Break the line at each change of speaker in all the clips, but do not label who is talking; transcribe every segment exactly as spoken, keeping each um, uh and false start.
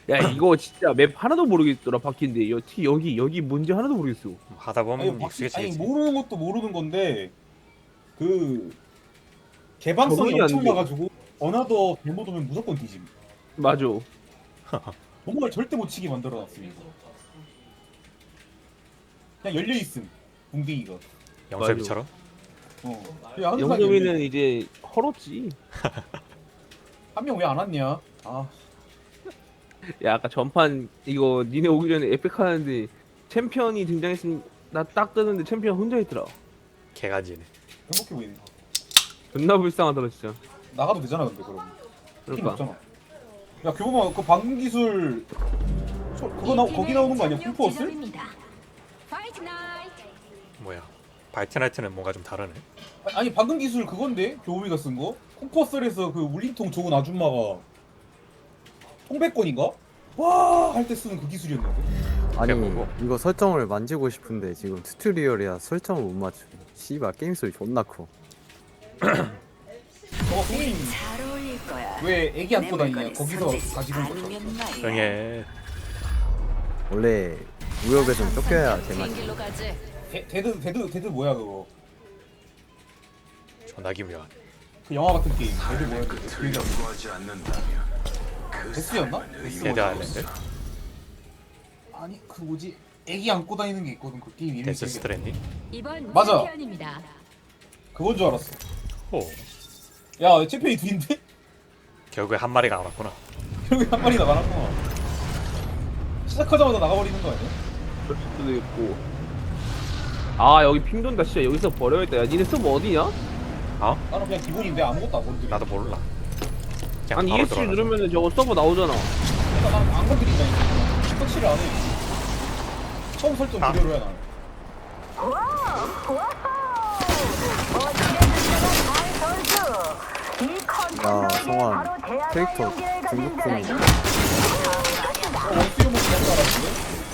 야 이거 진짜 맵 하나도 모르겠더라 바뀐데 여티 여기 여기 뭔지 하나도 모르겠어.
하다
아니,
보면
바, 아니
익숙해지겠지.
모르는 것도 모르는 건데 그 개방성이
적응이 안
엄청
돼.
나가지고 어나더 잘못 오면 무조건 뒤짐.
맞아.
정말 절대 못 치게 만들어놨습니다. 그냥 열려 있음. 붕딩이가.
영섭이처럼.
어. 그냥 항상
영점이는 이제 헐었지.
한명 왜 안 왔냐? 아,
야 아까 전판 이거 니네 오기 전에 에펙 하는데 챔피언이 등장했으면 나 딱 뜨는데 챔피언 혼자 있더라.
개간지네.
행복해 보이네.
존나 불쌍하더라 진짜.
나가도 되잖아 근데 그럼. 힘
그러니까.
없잖아. 야 교보마 그 방금 기술 저, 그거 나 거기 나오는 거 아니야? 쿵푸어스?
뭐야? 바이트나이트는 뭔가 좀 다르네.
아니 방금 기술 그건데 교보미가 쓴 거? 쿵푸어스에서 그 울림통 좋은 아줌마가 통백권인가? 와 할 때 쓰는 그 기술이었는데.
아니
뭐고?
이거 설정을 만지고 싶은데 지금 튜토리얼이야 설정을 못 맞추. 씨발 게임 소리 존나 커.
저거 선생님
잘 어울릴 거야.
왜 애기 안고
내
다니냐?
물건이
거기서
손짓이
가지고 온
아니면
거죠.
말이야.
응애.
원래 무역에선 쫓겨야 제맛이.
비행기로 가지.
데, 데드 데드 데드 뭐야 그거?
존나 기묘한.
그 영화 같은 게임. 데드 뭐야 그거? 기억이 안 나.
요구하지 않는다면 그
데스였나?
사람은
데스
데드
뭐지?
아일랜드.
아니 그 뭐지? 애기 안고 다니는 게 있거든 그 게임 이름이
데스
기억이 안 나.
스트랜딩.
이번
맞아.
챔피언입니다.
그건 줄 알았어.
오.
야 챔피언이 둘인데?
결국에 한 마리가 안 왔구나.
결국에 한 마리 나가놨구나. 시작하자마자 나가버리는 거 아니야?
그럴 수도 있고. 아 여기 핑 돈다 진짜 여기서 버려야겠다. 야 니네 서버 어디냐?
어?
나는 그냥 기본인데 아무것도 안 건드려.
나도 몰라. 그냥
아니
바로
이에스씨
들어가자.
누르면은 저거 서버 나오잖아.
그러니까 나는 안 건드린다니까. 터치를 안 해. 처음 설정
아.
그대로 해 나는.
야 성환 캐릭터 중국풍.
어, 원수용 먹기 한줄 알았는데?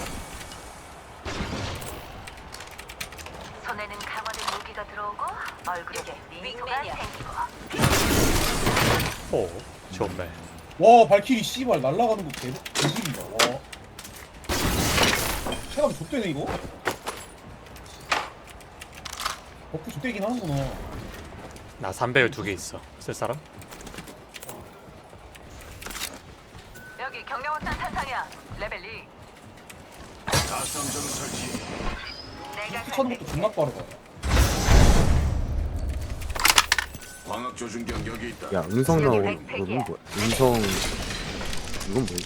손에는 강화된 무기가 들어오고 얼굴에 미소가 생기고.
오. 좋네.
와 발키리 씨발 날아가는 거 개, 개질이다. 와. 체감이 좆되네 이거? 버프 좆되긴 하는구나.
나 삼배율 두 개 있어. 쓸 사람?
여기 경량원탄 탄산이야. 레벨 이.
가성점 설치.
내가
피차는 것도 존나 빠르다.
광학 조준경 여기 있다.
야 음성 나오는 거는 뭐야? 음성 이건 뭐야?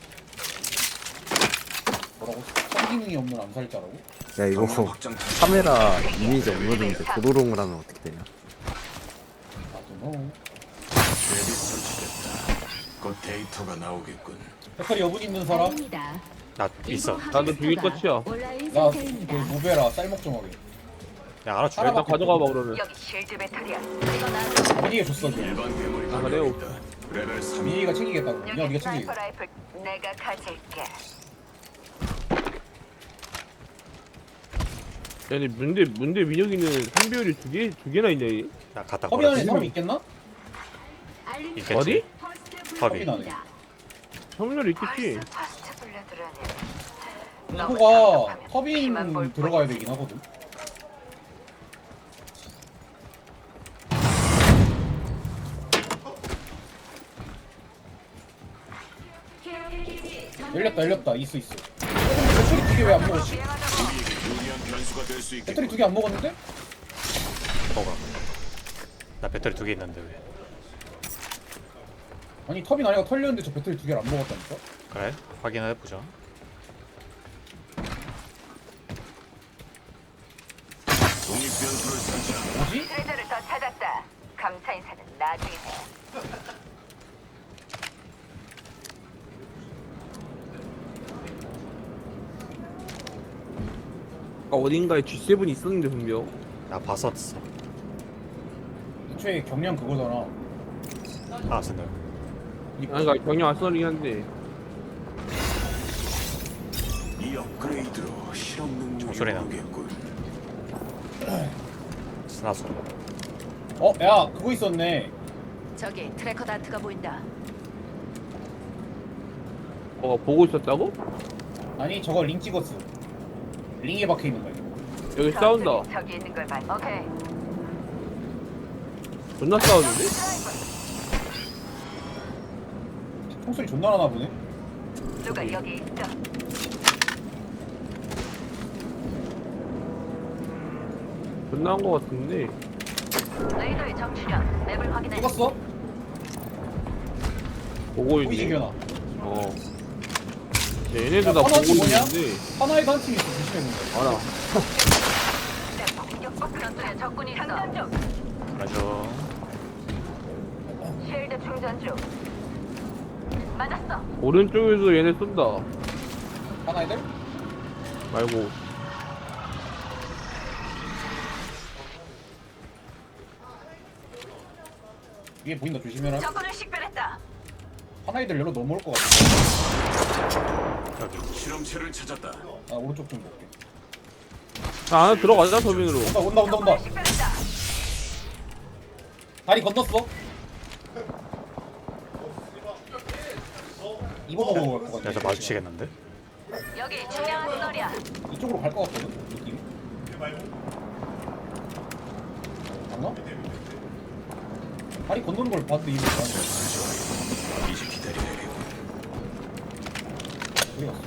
뭐라고? 성기능이 없는 암살자라고?
야 이거
경량 확장 탄-
카메라 이미지 업로드인데 도로롱을 하면 어떻게 되냐?
나도 너.
쉐리 설치됐다. 곧 데이터가 나오겠군.
배터리 여분 있는 사람?
아닙니다.
나 있어.
나도 죽일 것이야.
온라인
야, 그
상태입니다.
모베라 쌀먹 좀 하게.
야 알아 줄래?
하나만
나 가져가 봐 그러면.
여기 실드 배터리야. 이거 나
어디에 줬어 그?
일반 괴물이
아, 그래요?
있다. 레벨 삼.
민희가 챙기겠다고. 야,
여기
네가
스나이퍼
챙기겠다.
라이플 내가 가질게.
아니 문제 문제 민혁이는 삼배율이 두 개 두 개나 있냐 얘?
나 갖다
허비 안에
걸어.
사람 있겠나?
있겠지.
어디?
섭이.
나네.
성렬 있겠지.
파스트 블레드라니.
이거가 터빈 들어가야 되긴 하거든. 열렸다 열렸다 있어 있어. 배터리 두 개 왜 안 먹었지?
우리에게 유리한 변수가 될 수
배터리
있겠군.
두 개 안 먹었는데?
뭐가? 나 배터리 두 개 있는데 왜?
아니 터빈 아니가 털렸는데 저 배터리 두 개를 안 먹었다니까?
그래? 확인해 보자.
독립 변수를 설치한다.
뭐지?
트레저를 더 찾았다. 감사 인사는 나중에 해.
아까 어딘가에 지 세븐이 있었는데 분명.
나 봤었어.
애초에 경량 그거잖아.
아 쓴다.
아니 그러니까 경영 아스널이긴 한데.
이 업그레이드로 실험 능력이
종소리 나.
오르겠군.
스나소.
어? 야 그거 있었네.
저기 트래커 다트가 보인다.
어 보고 있었다고?
아니 저거 링 찍었어. 링에 박혀 있는 거야.
여기 싸운다.
저기 있는 걸 봐. 오케이.
존나 싸우는데?
총소리 존나 나나 보네.
누가 여기 있어?
존나 한 거 같은데.
레이더의 정출현. 맵을 확인해.
찍었어?
보고
보이지
있네.
기현아.
어. 얘네도
야,
다 보고
하나씩 뭐냐?
있는데.
하나에도 한 팀이 있어. 조심해보자.
알아.
공격복 전투에 적군이 있어. 장전 중.
맞아.
쉴드 충전 중. 맞았어.
오른쪽에서 얘네 쏜다.
하나애들?
말고.
위에 보인다. 조심해라.
적군을 식별했다.
하나애들 열로 넘어올 것 같아.
여기.
실험체를 찾았다.
아 오른쪽 좀 볼게.
자, 안에 들어가자, 서민으로.
온다 온다 온다 온다.
적군을 식별했다.
다리 건넜어. 이거 보고 갈 것 같아.
여기서 마주치겠는데?
여기 중요한 거리야.
이쪽으로 갈 것 같거든. 느낌. 맞나? 다리 건너는 걸 봤는데 이거 안
이제 기다려야겠고.
어디 갔어?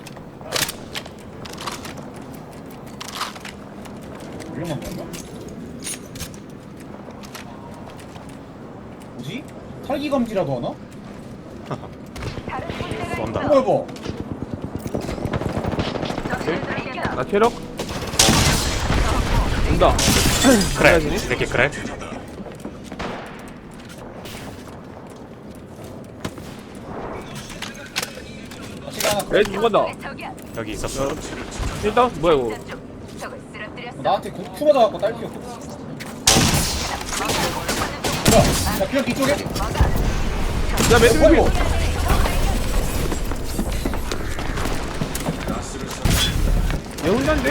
유령한 건가? 뭐지? 탈기 감지라도 하나?
다른 군대가
쏜다.
이거 해봐.
적실을 들이켰다.
나 체력? 온다.
그래. 이 새끼 그래.
같이 하나.
애 죽었다.
적이야.
여기 있었어.
일단 뭐야 이거?
충전 중. 적을 쓰러뜨렸어.
나한테 그 쿠 맞아갖고 딸 피었거든. 뭐야? 야 그냥 뒤쪽에?
야 매트
어이구.
매트. 얘 혼자인데?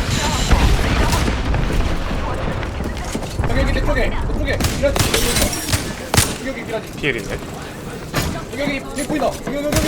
여기 여기 내 쪽에 내 쪽에 미라지 여기 여기 미라지
피엘인데?
여기 여기 여기 보인다 여기 여기 여기 여기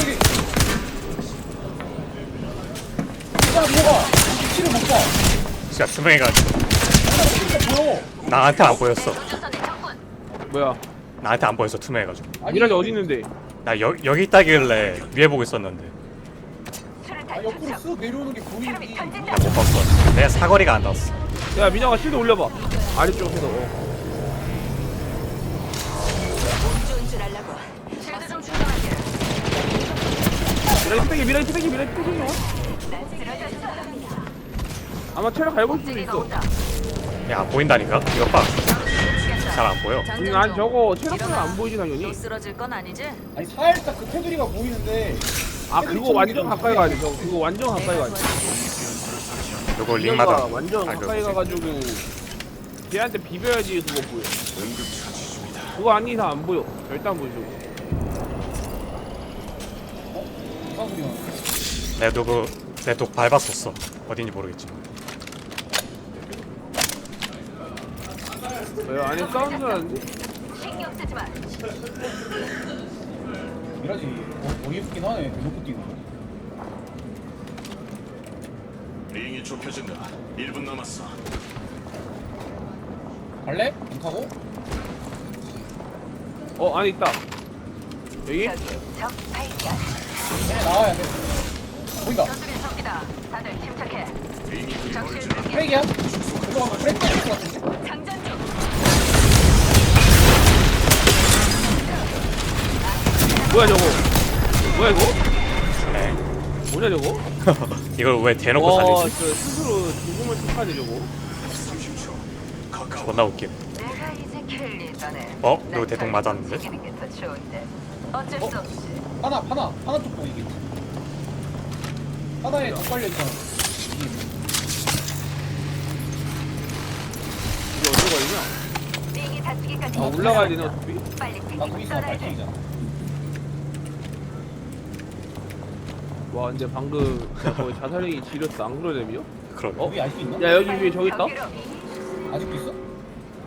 진짜 뭐가 키를 못봐
진짜 투명해가지고.
진짜 보여
나한테 안 보였어.
우주선의 적군.
뭐야?
나한테 안 보였어, 투명해가지고.
아니
미라지 어디 있는데?
나 여, 여기 있다길래 위에 보고 있었는데.
아, 옆으로 쓱 내려오는 게 보이지
나 못 봤어. 내 사거리가 안 닿았어.
야 민영아 실드 올려봐. 아래쪽에서. 어.
좋은 줄 알라고. 실드 좀 충전할게.
미라지 빼기 미라지 빼기 미라지 빼기.
난 쓰러졌어.
아마 체력 갈고 있을 수도
찌개가
있어.
온다.
야, 안 보인다니까? 이거 봐. 잘 안 보여.
음, 난 저거 체력은 안 보이지 당연히.
또 쓰러질 건 아니지?
아니 살짝 그 테두리가 보이는데
아 그거 완전 가까이 가야 돼. 저거 그거 완전 가까이 가야 돼.
요거
민영아
링마다.
완전
아,
가까이
그거
가가지고 걔한테 비벼야지 그거 보여.
응급처치 중이다.
그거 아닌 이상 안 보여. 절대 안 보이죠.
이상 소리 나네
내 누구 내 독 밟았었어. 어딘지 모르겠지.
왜 안에 사운드 나는데?
신경 쓰지 마.
미라지 어, 어이없긴 하네 대놓고 뛰는 거
링이 좁혀진다. 일 분 남았어.
갈래? 안 타고?
어 안에 있다. 여기?
저기 적 발견.
얘네 나와야 돼 보인다
저쪽에 적이다. 다들 침착해.
링이 그리
적실
멀지 않아.
발견.
프레이야? 이거 가면 프레이 될것 같은데?
장전 중.
뭐야 저거? 뭐야 이거?
네.
뭐냐 저거?
이걸 왜 대놓고
와,
살리지?
저 스스로 죽음을 택하네 저거.
삼십 초. 가까워.
존나 웃김.
내가 이제 킬리잖아.
어? 이거 대통 맞았는데?
이기는 게 더 좋은데. 어쩔 수 없이.
하나 하나 하나 쪽 보이겠지 하나에 더 빨려 있잖아
이게 어디로 가냐?
링이 닫히기까지.
아 올라가야 되네 어차피.
빨리
나
튀기고
거기 있으면
떠나야 돼.
발키리잖아
와 근데 방금 진짜 거의 자살행위 지렸다. 안 그러냐며?
그러게.
어?
여기 알 수 있나?
야 여기 위에 저기 있다?
저기로.
아직도 있어?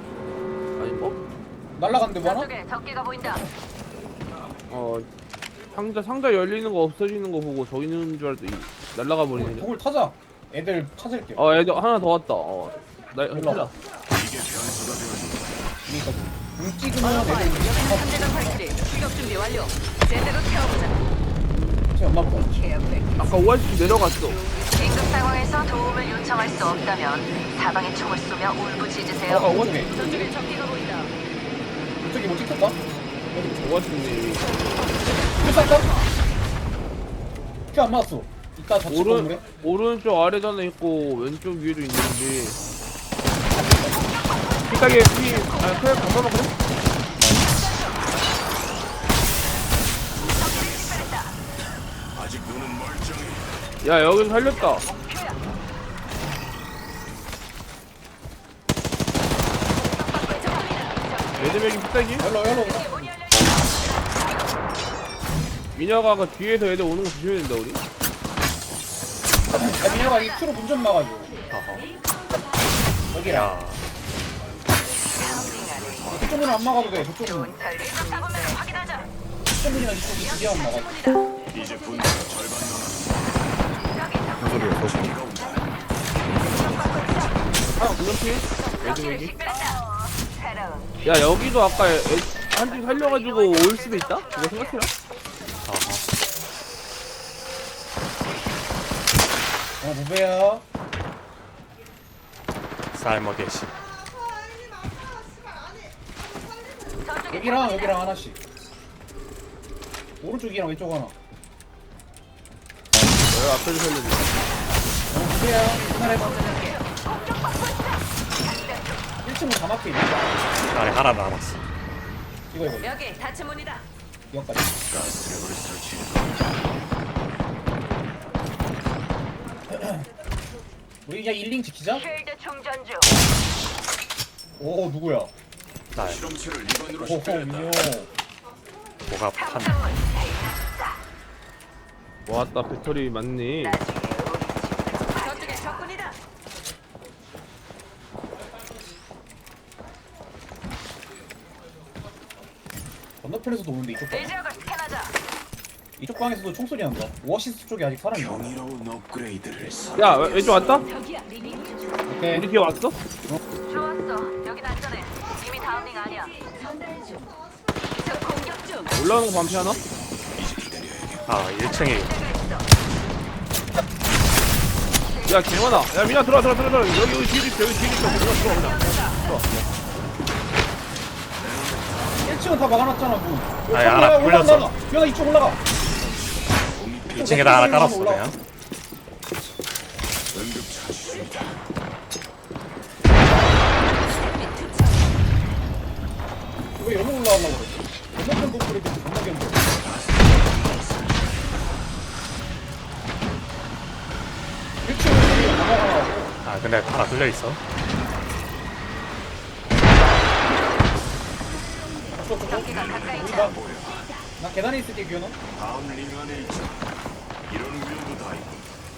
아니 뭐?
날라갔는데 뭐 하나?
저쪽에 적기가 보인다.
어 상자 상자 열리는 거 없어지는 거 보고 저 있는 줄 알았더니 날라가 버리네.
북을 타자. 애들 찾을게.
어 애들 하나 더 왔다. 어. 나
일로
찾아.
와봐.
이게 변수가 되어준다.
그러니까 응 찍으면
어머바이,
애들
여기는 삼대장 활질이 출격 준비 완료. 제대로 태워보자.
제 엄마 보다.
아까 오아시스 내려갔어.
긴급 상황에서 도움을 요청할 수 없다면 사방에 총을 쏘며
아까
울부짖으세요.
오른쪽에.
저쪽에 적기가 보인다.
저기 뭐 찍혔다?
오아시스님.
큐 쐈다? 큐안 맞았어. 이따 좌측
오른
건물에.
오른쪽 아래도 하나 있고 왼쪽 위에도 있는데. 삐딱에 피. 아 그래 잠깐만 그래.
아직 눈은 멀쩡해.
야 여기서 살렸다. 매드맥이 삐딱이?
열로 열로.
민혁아가 그 뒤에서 애들 오는 거 조심해야 된다 우리.
야 민혁아 이 큐로 문 좀 막아줘.
어허.
여기야.
야.
그쪽 문은 안 막아도 돼. 저쪽 문.
잡으면 확인하자.
저쪽 문이나 이쪽이 두개만 막아.
이제 분위기가 절반 남았어.
무슨 소리야 저거.
하나 분명히 매드맥이.
식별했다. 새로운
야 여기도 아까 한팀 살려가지고 올 수도 있다? 이거 생각해라.
어허.
어 무배야.
삶어 개시.
여기랑 여기랑 하나씩. 오른쪽이랑 왼쪽 하나.
내가 앞에서 살려줘.
어 무배야. 하나에 일 층은 다 막혀 있네.
안에 하나 남았어.
이거 이거
여기 닫힌 문이다.
이거까지.
가스트랩을 설치해.
우리 그냥 일링 지키자.
쉴드 충전 중.
오 누구야?
날
실험체를 이관으로
오호
식별했다.
민호.
뭐가 판.
탐정문
왔다 배터리 많네.
저쪽에 적군이다.
건너편에서도 오는데 이쪽 방.
이 지역을 스캔하자.
이쪽 방에서도 총소리 난다. 오아시스 쪽에 아직 사람이 있나?
경이로운 업그레이드를 했어.
야 왼- 왼쪽 왔다?
저기야 리밍.
오케이.
우리 뒤에 왔어?
좋았어. 여긴 안전해. 이미 다음 링 아니야. 적 공격 중.
올라오는 거 반피 하나?
아 일 층에
야 개만아. 야 민아 들어와 들어와 들어와. 여기 여기 뒤에 있어 여기 뒤에 있어. 들어와 들어와 그냥. 들어와.
일 층은 다 막아놨잖아 문.
아니, 하나 굴렸어.
야 이쪽 올라가.
이 층에다 하나 깔았어 그냥.
응급처치 중이다.
왜 여기 올라가려고 그랬지? 건너편 건물에 대해서 존나 견뎌. 일 층은 다 막아놔.
아 근데 하나 뚫려 있어.
적기가 가까이
우리
있다.
봐. 나 계단에 있을게 규현아.
다음 링 안에 있자. 이런 위험도 다 있고.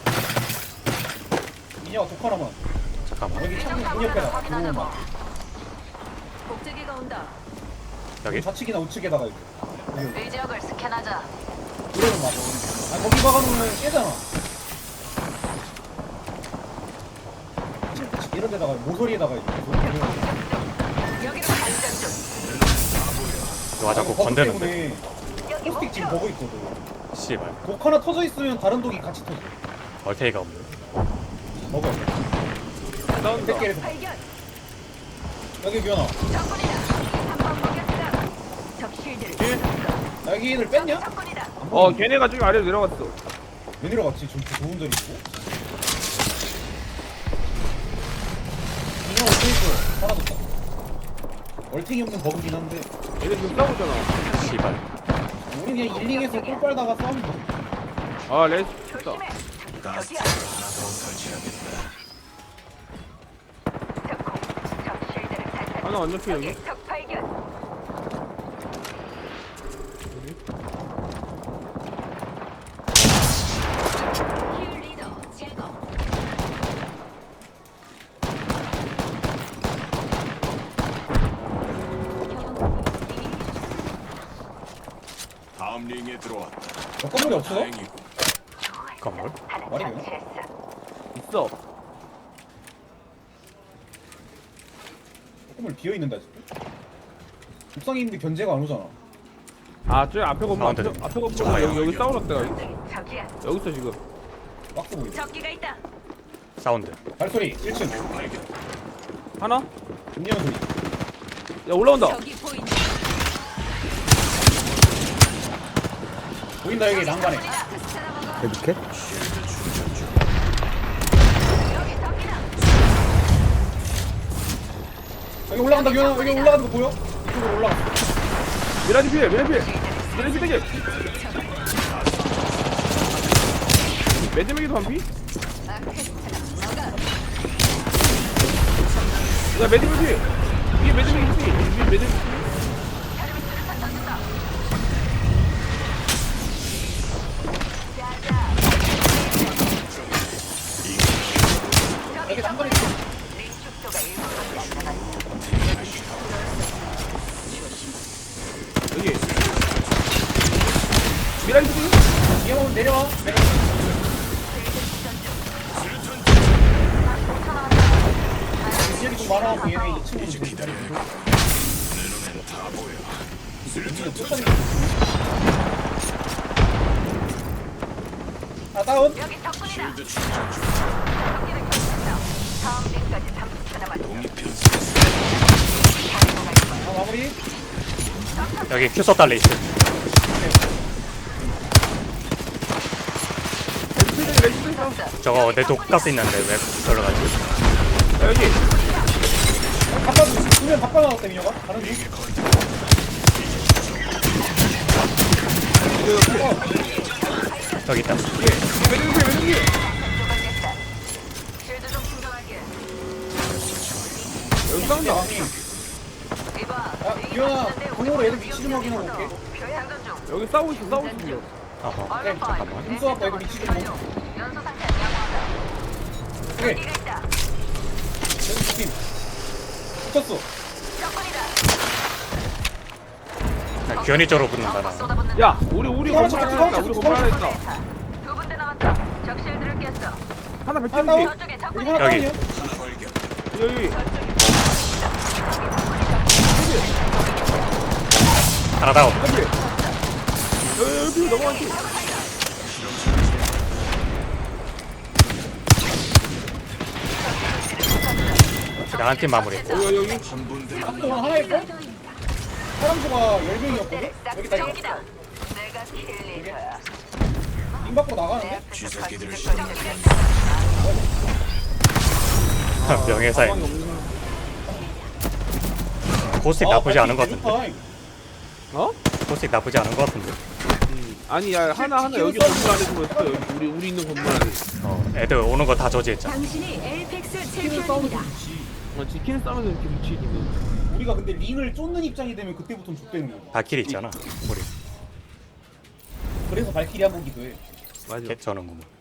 이녀가 독 하나만.
잠깐만.
여기 창문 문 옆에다가 들어오면 막.
복제기가 온다.
여기
좌측이나 우측에다가 이거. 여기
이 지역을 스캔하자.
그러면 맞아. 아 거기 박아놓으면 깨잖아. 그치, 이런 데다가 모서리에다가 이거.
여기로 발전 중.
와 자꾸 건드는데.
여기
플스틱 지금
목표.
보고 있거든.
씨발.
독 하나 터져 있으면 다른 독이 같이 터져.
얼테이가 없네.
먹어야 돼.
싸운다.
백 개에서
발견.
여기 규현아.
적군이다. 한번 먹였다. 적 쉴드를.
나 여기 애들 뺐냐?
적군이다.
안
어
보이네.
걔네가 저기 아래로 내려갔어.
왜 내려갔지? 저기 좋은 자리 있고. 이거 어떻게 있어? 사라졌다. 얼탱이 없는 버그긴 한데
얘네 지금 싸우잖아.
씨발.
우리 그냥 일링에서 꿀 빨다가 싸우면 돼.
아 레스 좋다.
조심해.
가스트랩을 하나 더 설치하겠다.
적공. 적 쉴드를 탈탈.
하나 안 잡혀 여기.
적 발견. 힐 리더 제거.
다음 링에 링에 들어왔다.
너 건물이 없어?
다행이고.
건물?
말이 되나?
있어.
건물 비어있는데 아직도? 옥상에 있는데 견제가 안 오잖아.
아, 저 앞에 건물, 앞에,
가운데로.
앞에 건물.
정말
여기, 여기 싸우랬다. 여기.
저기야.
여기 있어, 지금.
박스 보이네.
적기가 있다.
사운드.
발소리 일 층.
발견.
하나?
음료는 소리.
야, 올라온다.
저기 보인다.
보인다 여기 난간에.
이렇게?
여기 적기다.
여기 올라간다 규현아. 여기 올라가는 거 보여? 이쪽으로 올라갔어.
미라지 피해, 미라지 피해. 미라지 피해. 매드맥이도 반피? 야, 매드맥 피해. 위에 매드맥이 피해. 위에 매드맥 피해.
여기 난간에 있어.
여기. 미라지 피해.
뒤에 오면 내려와. 내가 지역이 좀 많아갖고 얘네 이 층으로 좀 기다리고. 우리는 쫓아내고 있어. 아 다운.
여기 적군이다.
쉴드 충전 중.
적기를 격추했어. 다음 링까지 삼십 초 남았어.
독립편수.
아 마무리.
여기 큐소 달려 있어.
매드맥, 매드맥 있어.
저거 내 독가스 있는데 왜 저러 가지?
야, 여기.
바꿔 두명 바꿔 나왔다 민혁아. 다른 중.
여기 있다.
위에. 위에 매드맥 피해, 매드맥 피해.
쉴드 좀 충전할게.
여기 싸운다.
왕이.
이봐.
야 규현아 공으로 애들 위치 좀 확인하고 올게.
장전 중.
여기 싸우고 있어, 싸우고 있어. 지금.
어허.
얼른 봐.
잠깐만. 힘써 갖고 애들 위치 좀 보고.
연소 상태 양호하다.
오케이.
적기가 있다.
여기 팀. 붙였어.
적군이다.
나 기현이 쪽으로
더
붙는다 나.
쏟아붓는다.
야, 우리, 우리
이거
건물
하나
하나 있다. 우리 건물 하나 있다.
두 군데 남았다. 적 실드를 깼어.
하나
아,
백점지.
나와.
저쪽에
여기
적군이
하나
여기.
다운이야.
발견.
여기.
하나 다운.
여기. 여기, 여기 넘어갔지.
나한 팀 마무리.
여기, 여기.
한 분대
또 하나 있고. 사람 수가 열 명이었거든. 여기 다
적기다. 내가 킬리터야.
링 밖으로 나가는데.
쥐새끼들
명예사에
가방이 없는.
고스틱 나쁘지 않은 것 같은데.
같은데.
어?
고스틱 나쁘지 않은 것 같은데.
음. 아니, 야, 하나, 하나 여기 건물 안에 숨어있어. 여기 우리, 우리 있는 건물 안에.
어, 애들 오는 거 다 저지했잖아.
당신이 에이펙스
스킬을 싸우면 좋지.
어, 지키는 싸움에서 이렇게 묻히기는.
우리가 근데 링을 쫓는 입장이 되면 그때부터는 족되는 거야.
발길이 있잖아. 우리.
그래서 발키리 한 번기도 해.
맞아.
개 저는 뭐.